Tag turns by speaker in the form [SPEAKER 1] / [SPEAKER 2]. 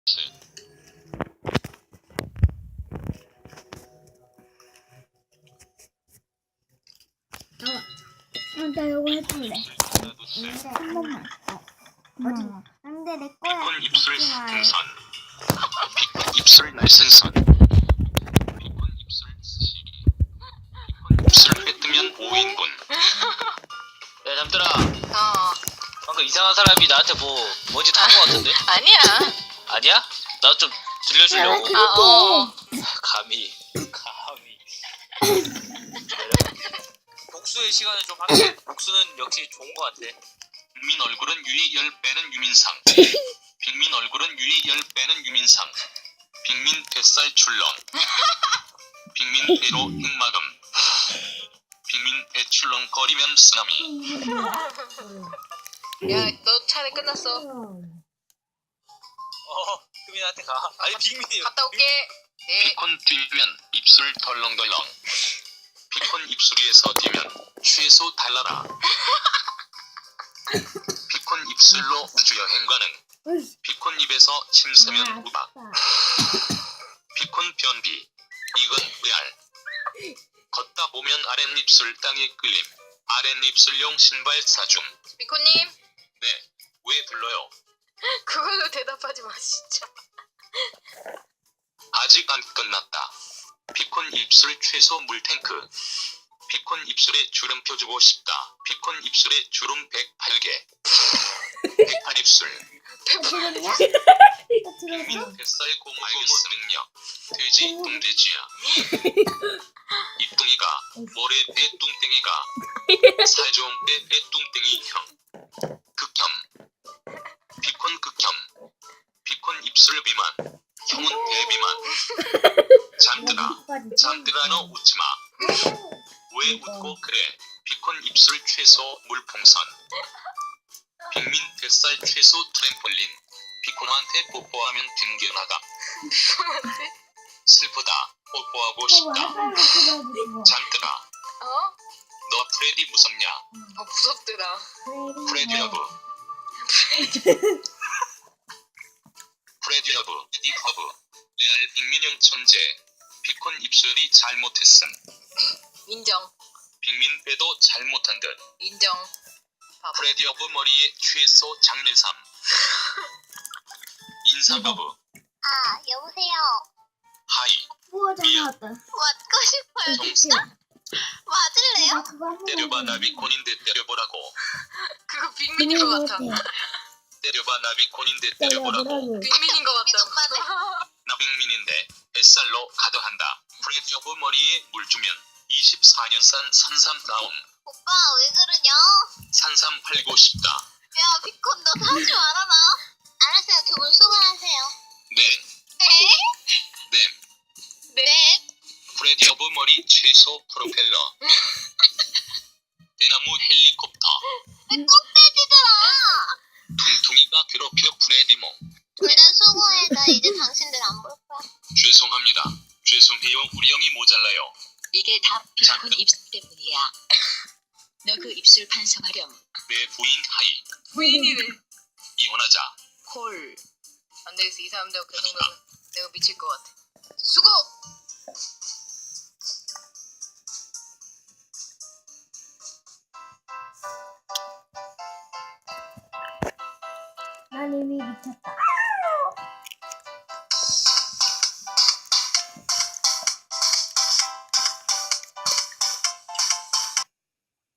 [SPEAKER 1] 나 이거 해볼래. 한 번만. 안돼 내 거야.
[SPEAKER 2] 비콘 입술 등산. 비콘 입술 날생선. 비콘 입술 스시기. 비콘 입술 회 뜨면 5인분.
[SPEAKER 3] 야 잠들아. 방금 이상한 사람이 나한테 뭔지 탄 거 같은데?
[SPEAKER 4] 아니야.
[SPEAKER 3] 아니야? 나 좀 들려주려고. 감히. 복수의 시간을 좀 할게. 복수는 역시 좋은 거 같아.
[SPEAKER 2] 빅민 얼굴은 유리 10배는 유민상. 빅민 얼굴은 유리 10배는 유민상. 빅민 뱃살 출렁. 빅민 배로 흑마금. 빅민 배 출렁거리면 쓰나미.
[SPEAKER 4] 야, 너 차례 끝났어.
[SPEAKER 3] 흠이한테 가. 아니 빅민이.
[SPEAKER 4] 갔다 올게. 네.
[SPEAKER 2] 비콘 뛰면 입술 덜렁덜렁. 비콘 입술 위에서 뛰면 최소 달라라. 비콘 입술로 우주여행 가능. 비콘 입에서 침 세면 우박. 비콘 변비. 이건 레알. 걷다 보면 아랫입술 땅에 끌림. 아랫입술용 신발 사줌.
[SPEAKER 4] 비코님,
[SPEAKER 2] 네, 왜 불러요?
[SPEAKER 4] 그걸로 대답하지 마, 진짜.
[SPEAKER 2] 아직 안 끝났다. 비콘 입술 최소 물탱크. 비콘 입술에 주름표 주고 싶다. 비콘 입술에 주름 108개. 108입술. 빅민 뱃살 고무고무 능력. 돼지 뚱돼지야. 입둥이가 모래 배뚱땡이가 살 좋은 배뚱땡이 형. 극혐. 비콘 극혐. 비콘 입술 비만. 형은 대비만. 잠들아 너 웃지마. 왜 웃고 그래. 비콘 입술 최소 물풍선. 빅민 뱃살 최소 트램폴린. 비콘한테 뽀뽀하면 튕겨나감. 슬프다. 뽀뽀하고 싶다. 잠들아 너 프레디 무섭냐.
[SPEAKER 4] 무섭더라.
[SPEAKER 2] 프레디 러브. 프레디 러브. 이 허브. 레알 빅민형 천재. 비콘 입술이 잘못했음.
[SPEAKER 4] 인정.
[SPEAKER 2] 빅민 배도 잘못한 듯.
[SPEAKER 4] 인정. 바보.
[SPEAKER 2] 프레디 러브 머리에 최소 장례삼. 인사 러브.
[SPEAKER 1] 아 여보세요.
[SPEAKER 2] 하이.
[SPEAKER 1] 우와 전화왔다.
[SPEAKER 5] 맞고 싶어요.
[SPEAKER 2] 정상.
[SPEAKER 5] 맞을래요?
[SPEAKER 2] 때려봐 나비콘인데 때려보라고.
[SPEAKER 4] 그거 빅민인 것 같아.
[SPEAKER 2] 때려봐 나비콘인데 때려보라고.
[SPEAKER 4] 빅민인 것
[SPEAKER 5] 빅민
[SPEAKER 4] 같다.
[SPEAKER 5] 오빠네.
[SPEAKER 2] 나빅민인데 뱃살로 가더한다. 프레디 러브 머리에 물 주면 24년산 산삼 나옴.
[SPEAKER 5] 오빠 왜 그러냐?
[SPEAKER 2] 산삼 팔고 싶다.
[SPEAKER 5] 야 비콘 너 사지 말아라. 알았어요. 두 분 수고하세요.
[SPEAKER 2] 네.
[SPEAKER 5] 네?
[SPEAKER 2] 네.
[SPEAKER 5] 네?
[SPEAKER 2] 프레디 러브 머리 최소 프로펠러. 대나무 헬리콥터.
[SPEAKER 5] 꼭대지더라.
[SPEAKER 2] 퉁퉁이가 괴롭혀 프레디모.
[SPEAKER 5] 둘 다 수고해. 나 이제 당신들 안 볼 거야.
[SPEAKER 2] 죄송합니다. 죄송해요. 우리 형이 모자라요.
[SPEAKER 6] 이게 다 비콘 입술 때문이야. 너 그 입술 반성하렴.
[SPEAKER 2] 내 부인 하이.
[SPEAKER 4] 부인이네.
[SPEAKER 2] 이혼하자.
[SPEAKER 6] 콜.
[SPEAKER 4] 안 되겠어. 이 사람들 계속 내가 미칠 것 같아. 수고!